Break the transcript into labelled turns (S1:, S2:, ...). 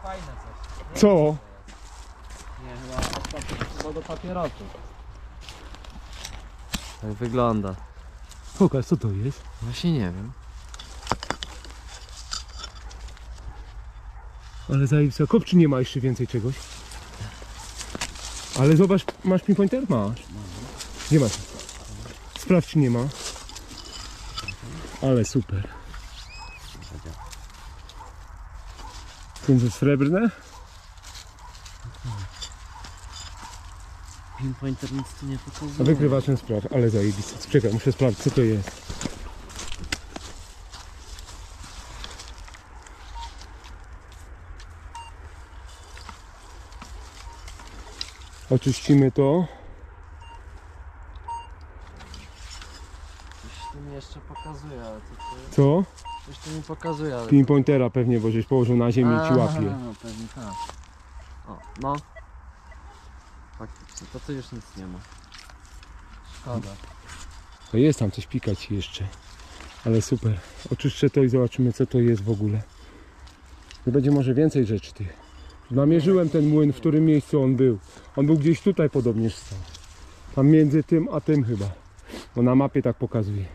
S1: fajne coś.
S2: Co?
S1: Nie, chyba do papierosów. Tak wygląda.
S2: Pokaż, co to jest?
S1: Właśnie nie wiem.
S2: Ale zajebista. Kopczy nie ma jeszcze więcej czegoś. Ale zobacz, masz pinpointer? Masz. Nie masz. Sprawdź, czy nie ma. Ale super. Są srebrne?
S1: Pinpointer nic tu nie pokazuje.
S2: A wykrywaczem spraw, ale zajebiste. Czekaj, muszę sprawdzić, co to jest. Oczyścimy to.
S1: Coś tu mi jeszcze pokazuje, ale to
S2: Co?
S1: coś tu mi pokazuje, ale...
S2: Pinpointera pewnie, bo żeś położył na ziemi i ci łapie.
S1: No pewnie tak. O, no. Faktycznie, to tu już nic nie ma. Szkoda.
S2: To jest tam coś pikać jeszcze. Ale super. Oczyszczę to i zobaczymy, co to jest w ogóle. I będzie może więcej rzeczy tych. Namierzyłem ten młyn, w którym miejscu on był. On był gdzieś tutaj podobnież stał. Tam między tym a tym chyba. Bo na mapie tak pokazuje.